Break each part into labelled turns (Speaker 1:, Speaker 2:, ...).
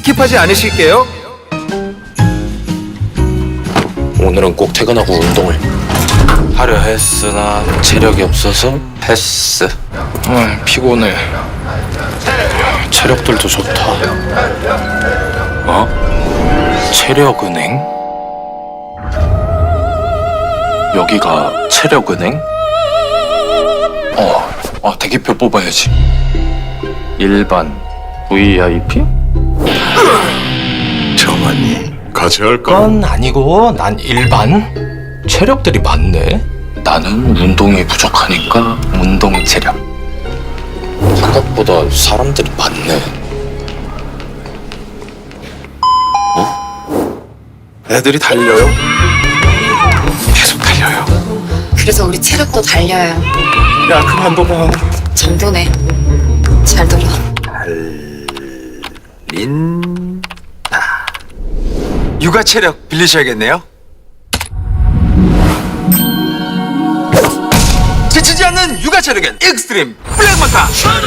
Speaker 1: 스킵하지 않으실게요.
Speaker 2: 오늘은 꼭 퇴근하고 운동을 하려 했으나 체력이 없어서 패스. 피곤해. 체력들도 좋다. 체력은행? 여기가 체력은행? 대기표 뽑아야지. 일반 VIP?
Speaker 3: 정환이 같이 할까?
Speaker 2: 그건 아니고 난 일반. 체력들이 많네. 나는 운동이 부족하니까 운동 체력. 생각보다 사람들이 많네.
Speaker 3: 애들이 달려요? 계속 달려요.
Speaker 4: 그래서 우리 체력도 달려요.
Speaker 3: 야 그만둬봐.
Speaker 4: 정도네. 잘 들어.
Speaker 1: 육아 체력 빌리셔야겠네요. 지치지 않는 육아 체력엔 익스트림 블랙마타.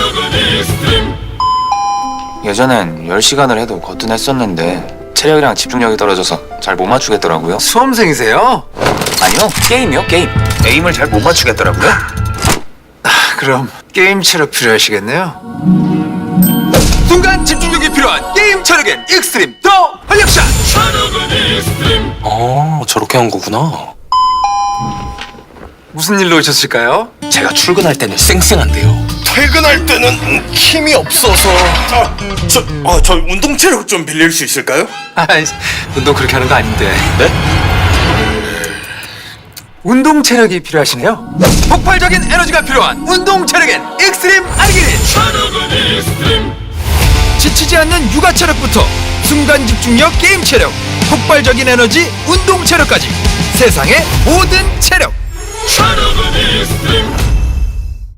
Speaker 5: 예전엔 10시간을 해도 거뜬했었는데 체력이랑 집중력이 떨어져서 잘 못 맞추겠더라고요.
Speaker 1: 수험생이세요?
Speaker 5: 아니요, 게임이요, 게임. 에임을 잘 못 맞추겠더라고요.
Speaker 1: 그럼 게임 체력 필요하시겠네요. 순간 집중력이 필요한 게임 체력엔 익스트림 더 활력샷.
Speaker 2: 저렇게 한 거구나.
Speaker 1: 무슨 일로 오셨을까요?
Speaker 2: 제가 출근할 때는 쌩쌩한데요.
Speaker 3: 퇴근할 때는 힘이 없어서. 저 운동 체력 좀 빌릴 수 있을까요?
Speaker 1: 운동 그렇게 하는 거 아닌데.
Speaker 2: 네?
Speaker 1: 운동 체력이 필요하시네요. 폭발적인 에너지가 필요한 운동 체력엔 익스트림 아르기닌. 지치지 않는 육아 체력부터 순간 집중력 게임 체력, 폭발적인 에너지 운동 체력까지 세상의 모든 체력